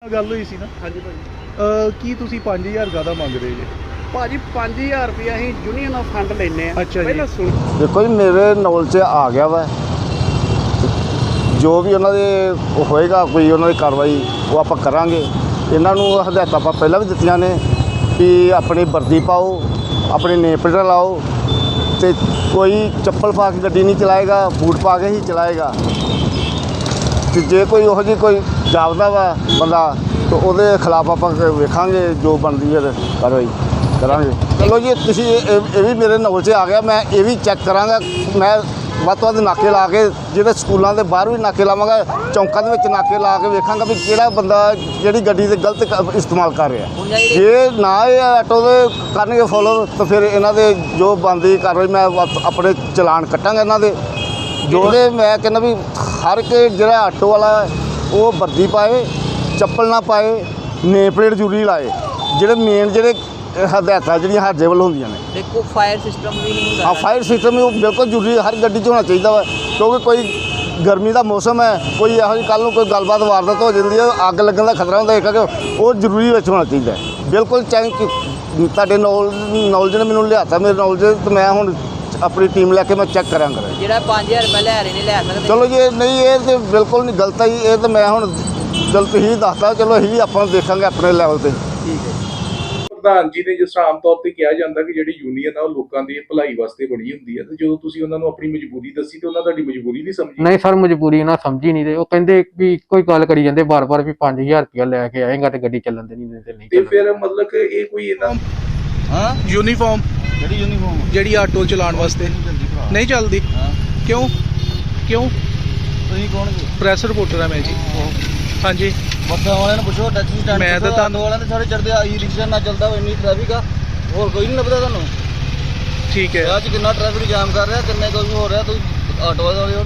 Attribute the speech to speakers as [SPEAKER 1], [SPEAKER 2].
[SPEAKER 1] ਗੱਲ ਹੋਈ ਸੀ ਨਾ।
[SPEAKER 2] ਹਾਂਜੀ ਭਾਜੀ।
[SPEAKER 1] ਕੀ ਤੁਸੀਂ 5000 ਜ਼ਿਆਦਾ ਮੰਗ ਰਹੇ ਜੀ?
[SPEAKER 2] ਭਾਜੀ 5000 ਰੁਪਇਆ ਅਸੀਂ ਯੂਨੀਅਨ ਆਫ ਫੰਡ ਲੈਨੇ ਆ।
[SPEAKER 1] ਅੱਛਾ ਜੀ।
[SPEAKER 2] ਪਹਿਲਾਂ ਸੁਣ
[SPEAKER 3] ਦੇਖੋ ਜੀ, ਮੇਰੇ ਨੌਲੇਜ 'ਚ ਆ ਗਿਆ ਵਾ, ਜੋ ਵੀ ਉਹਨਾਂ ਦੇ ਹੋਏਗਾ ਕੋਈ ਉਹਨਾਂ ਦੀ ਕਾਰਵਾਈ ਉਹ ਆਪਾਂ ਕਰਾਂਗੇ। ਇਹਨਾਂ ਨੂੰ ਹਦਾਇਤਾਂ ਆਪਾਂ ਪਹਿਲਾਂ ਵੀ ਦਿੱਤੀਆਂ ਨੇ ਕਿ ਆਪਣੀ ਵਰਦੀ ਪਾਓ, ਆਪਣੇ ਨੇਮ ਪਲੇਟ ਲਾਓ ਅਤੇ ਕੋਈ ਚੱਪਲ ਪਾ ਕੇ ਗੱਡੀ ਨਹੀਂ ਚਲਾਏਗਾ, ਬੂਟ ਪਾ ਕੇ ਹੀ ਚਲਾਏਗਾ। ਅਤੇ ਜੇ ਕੋਈ ਉਹੋ ਜਿਹੀ ਕੋਈ ਜਾਪਦਾ ਵਾ ਬੰਦਾ ਤਾਂ ਉਹਦੇ ਖਿਲਾਫ ਆਪਾਂ ਵੇਖਾਂਗੇ, ਜੋ ਬਣਦੀ ਹੈ ਕਾਰਵਾਈ ਕਰਾਂਗੇ। ਚਲੋ ਜੀ, ਤੁਸੀਂ ਇਹ ਵੀ ਮੇਰੇ ਨੌਲੇਜ 'ਚ ਆ ਗਿਆ, ਮੈਂ ਇਹ ਵੀ ਚੈੱਕ ਕਰਾਂਗਾ। ਮੈਂ ਵੱਧ ਤੋਂ ਵੱਧ ਨਾਕੇ ਲਾ ਕੇ, ਜਿਹੜੇ ਸਕੂਲਾਂ ਦੇ ਬਾਹਰ ਵੀ ਨਾਕੇ ਲਾਵਾਂਗਾ, ਚੌਂਕਾਂ ਦੇ ਵਿੱਚ ਨਾਕੇ ਲਾ ਕੇ ਵੇਖਾਂਗਾ ਵੀ ਕਿਹੜਾ ਬੰਦਾ ਜਿਹੜੀ ਗੱਡੀ ਦੇ ਗਲਤ ਇਸਤੇਮਾਲ ਕਰ ਰਿਹਾ। ਜੇ ਨਾ ਇਹ ਆਟੋ ਦੇ ਕਰਨਗੇ ਫੋਲੋ ਤਾਂ ਫਿਰ ਇਹਨਾਂ ਦੇ ਜੋ ਬਣਦੀ ਕਾਰਵਾਈ ਮੈਂ ਆਪਣੇ ਚਲਾਨ ਕੱਟਾਂਗਾ ਇਹਨਾਂ ਦੇ। ਜਿਹੜੇ ਮੈਂ ਕਹਿੰਦਾ ਵੀ ਹਰ ਇੱਕ ਜਿਹੜਾ ਆਟੋ ਵਾਲਾ ਉਹ ਵਰਦੀ ਪਾਏ, ਚੱਪਲ ਨਾ ਪਾਏ, ਨੇਮ ਪਲੇਟ ਜ਼ਰੂਰੀ ਲਾਏ। ਜਿਹੜੇ ਮੇਨ ਜਿਹੜੇ ਹਦਾਇਤਾਂ ਜਿਹੜੀਆਂ ਸਾਡੇ ਵੱਲ ਹੁੰਦੀਆਂ ਨੇ।
[SPEAKER 4] ਦੇਖੋ ਫਾਇਰ ਸਿਸਟਮ ਵੀ ਨਹੀਂ ਹੁੰਦਾ।
[SPEAKER 3] ਫਾਇਰ ਸਿਸਟਮ ਵੀ ਉਹ ਬਿਲਕੁਲ ਜ਼ਰੂਰੀ ਹਰ ਗੱਡੀ 'ਚ ਹੋਣਾ ਚਾਹੀਦਾ ਵਾ, ਕਿਉਂਕਿ ਕੋਈ ਗਰਮੀ ਦਾ ਮੌਸਮ ਹੈ, ਕੋਈ ਇਹੋ ਜਿਹੀ ਕੱਲ੍ਹ ਨੂੰ ਕੋਈ ਗੱਲਬਾਤ ਵਾਰਦਾਤ ਹੋ ਜਾਂਦੀ ਹੈ, ਅੱਗ ਲੱਗਣ ਦਾ ਖਤਰਾ ਹੁੰਦਾ, ਇੱਕ ਉਹ ਜ਼ਰੂਰੀ ਵਿੱਚ ਹੋਣਾ ਚਾਹੀਦਾ। ਬਿਲਕੁਲ ਚਾਹੇ ਤੁਹਾਡੇ ਨੌਲੇਜ ਨੇ ਮੈਨੂੰ ਲਿਆਤਾ, ਮੇਰੇ ਨੌਲੇਜ ਤੇ ਮੈਂ ਹੁਣ ਆਪਣੀ ਟੀਮ ਲੈ ਕੇ ਮੈਂ ਚੈੱਕ ਕਰਾਂਗਾ।
[SPEAKER 4] ਜਿਹੜਾ 5000 ਰੁਪਏ ਲੈ ਰਹੇ ਨੇ ਲੈ ਸਕਦੇ।
[SPEAKER 3] ਚਲੋ ਜੀ, ਨਹੀਂ ਇਹ ਤਾਂ ਬਿਲਕੁਲ ਨਹੀਂ ਗਲਤ ਹੈ ਜੀ, ਇਹ ਤਾਂ ਮੈਂ ਹੁਣ ਗਲਤ ਹੀ ਦੱਸਦਾ। ਚਲੋ ਅਸੀਂ ਵੀ ਆਪਾਂ ਦੇਖਾਂਗੇ ਆਪਣੇ ਲੈਵਲ 'ਤੇ।
[SPEAKER 4] ਠੀਕ ਹੈ।
[SPEAKER 5] ਪ੍ਰਧਾਨ ਜੀ ਨੇ ਜਿਸ ਤਰ੍ਹਾਂ ਆਮ ਤੌਰ ਤੇ ਕਿਹਾ ਜਾਂਦਾ ਕਿ ਜਿਹੜੀ ਯੂਨੀਅਨ ਆ ਉਹ ਲੋਕਾਂ ਦੀ ਭਲਾਈ ਵਾਸਤੇ ਬਣੀ ਹੁੰਦੀ ਹੈ, ਤੇ ਜਦੋਂ ਤੁਸੀਂ ਉਹਨਾਂ ਨੂੰ ਆਪਣੀ ਮਜਬੂਰੀ ਦੱਸੀ ਤੇ ਉਹਨਾਂ ਤੁਹਾਡੀ ਮਜਬੂਰੀ ਨਹੀਂ ਸਮਝੀ?
[SPEAKER 6] ਨਹੀਂ ਸਰ, ਮਜਬੂਰੀ ਉਹਨਾਂ ਸਮਝੀ ਨਹੀਂ। ਤੇ ਉਹ ਕਹਿੰਦੇ ਵੀ ਇੱਕੋ ਹੀ ਗੱਲ ਕਰੀ ਜਾਂਦੇ ਬਾਰ-ਬਾਰ ਵੀ 5000 ਰੁਪਇਆ ਲੈ ਕੇ ਆਏਗਾ ਤੇ ਗੱਡੀ ਚੱਲਣ ਦੇ ਨਹੀਂ ਤੇ ਨਹੀਂ।
[SPEAKER 5] ਤੇ ਫਿਰ ਮਤਲਬ ਕਿ ਇਹ ਕੋਈ ਇਹਨਾਂ
[SPEAKER 1] ਯੂਨੀਫਾਰਮ
[SPEAKER 3] ਜਿਹੜੀ ਯੂਨੀਫਾਰਮ
[SPEAKER 1] ਜਿਹੜੀ ਆਟੋ ਚਲਾਉਣ ਵਾਸਤੇ ਨਹੀਂ ਚੱਲਦੀ? ਕਿਉਂ?
[SPEAKER 3] ਤੁਸੀਂ ਕੌਣ ਜੀ?
[SPEAKER 1] ਪ੍ਰੈਸ ਰਿਪੋਰਟਰ ਆ ਮੈਂ ਜੀ। ਹਾਂਜੀ,
[SPEAKER 3] ਬੱਸਾਂ ਵਾਲਿਆਂ ਨੂੰ ਪੁੱਛੋ, ਟੈਕਸੀ ਸਟੈਂਡ
[SPEAKER 1] ਮੈਂ ਤਾਂ ਤੁਹਾਨੂੰ
[SPEAKER 3] ਵਾਲਿਆਂ ਦੇ ਸਾਰੇ ਚੜਦੇ ਆ, ਈ ਰਿਕਸ਼ਾ ਨਾ ਚੱਲਦਾ, ਇੰਨੀ ਟ੍ਰੈਫਿਕ ਆ, ਹੋਰ ਕੋਈ ਨਹੀਂ ਲੱਭਦਾ ਤੁਹਾਨੂੰ।
[SPEAKER 1] ਠੀਕ ਹੈ।
[SPEAKER 3] ਅੱਜ ਕਿੰਨਾ ਟ੍ਰੈਫਿਕ ਜਾਮ ਕਰ ਰਿਹਾ, ਕਿੰਨੇ ਕੁਝ ਹੋ ਰਿਹਾ, ਤੁਸੀਂ ਆਟੋ ਵਾਲੇ